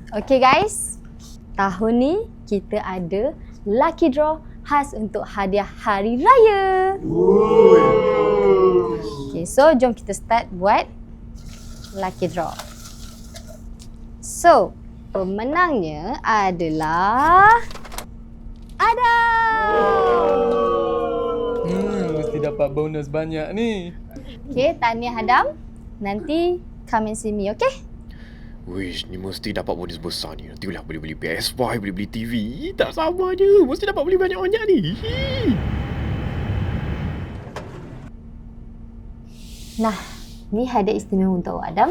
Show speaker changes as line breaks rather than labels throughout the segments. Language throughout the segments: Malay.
Okay guys, tahun ni kita ada lucky draw khas untuk hadiah hari raya. Okay, so jom kita start buat lucky draw. So, pemenangnya adalah Adam.
Mesti dapat bonus banyak ni.
Okay, tahniah Adam. Nanti come and see me, okay?
Wish, ni mesti dapat bonus besar ni. Nantilah boleh beli PS5, boleh beli TV. Tak sabar je. Mesti dapat beli banyak-banyak ni.
Nah, ni hadiah istimewa untuk Adam.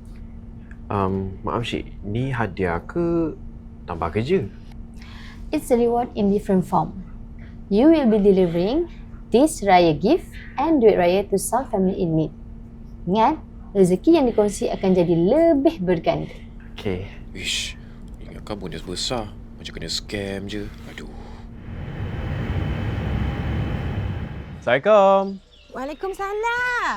Maaf Syed, ni hadiah ke tambah kerja?
It's a reward in different form. You will be delivering this raya gift and duit raya to some family in need. Ingat, rezeki yang dikongsi akan jadi lebih berganda.
Okay. Wish, ingatkan bonus besar. Macam kena scam je. Aduh.
Assalamualaikum.
Waalaikumsalam.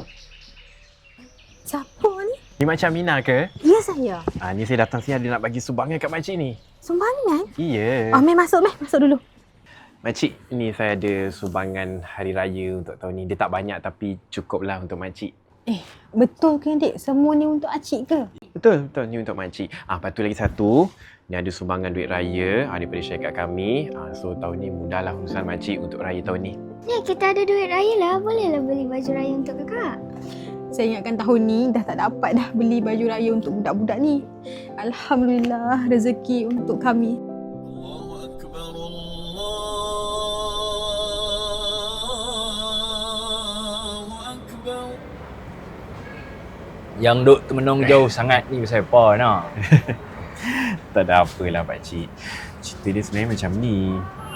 Siapa ni?
Ni Makcik Aminah ke?
Ya, saya.
Ni saya datang sini ada nak bagi sumbangan kat makcik ni.
Sumbangan?
Iya.
Meh masuk, masuk dulu.
Makcik, ni saya ada sumbangan hari raya untuk tahun ni. Dia tak banyak tapi cukuplah untuk makcik.
Betul ke, Dek? Semua ni untuk Acik ke?
Betul. Ni untuk makcik. Lepas tu lagi satu. Ni ada sumbangan duit raya daripada syarikat kami. So tahun ni mudahlah urusan makcik untuk raya tahun ni.
Ya, kita ada duit raya lah. Bolehlah beli baju raya untuk kakak.
Saya ingatkan tahun ni dah tak dapat dah beli baju raya untuk budak-budak ni. Alhamdulillah, rezeki untuk kami.
Yang duk termenung jauh sangat ni pasal apa nak?
Tak ada apalah pakcik. Cerita dia sebenarnya macam ni.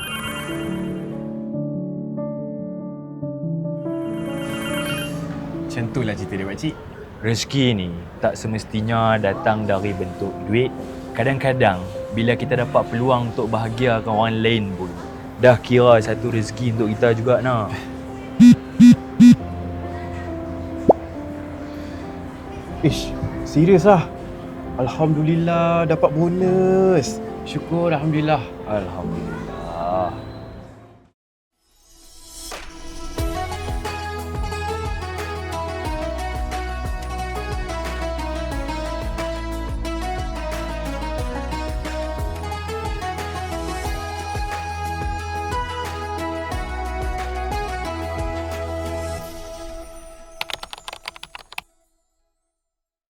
Macam tu lah cerita dia pakcik.
Rezeki ni tak semestinya datang dari bentuk duit. Kadang-kadang bila kita dapat peluang untuk bahagiakan orang lain pun, dah kira satu rezeki untuk kita juga nak.
Ish, serius lah. Alhamdulillah dapat bonus. Syukur Alhamdulillah.
Alhamdulillah.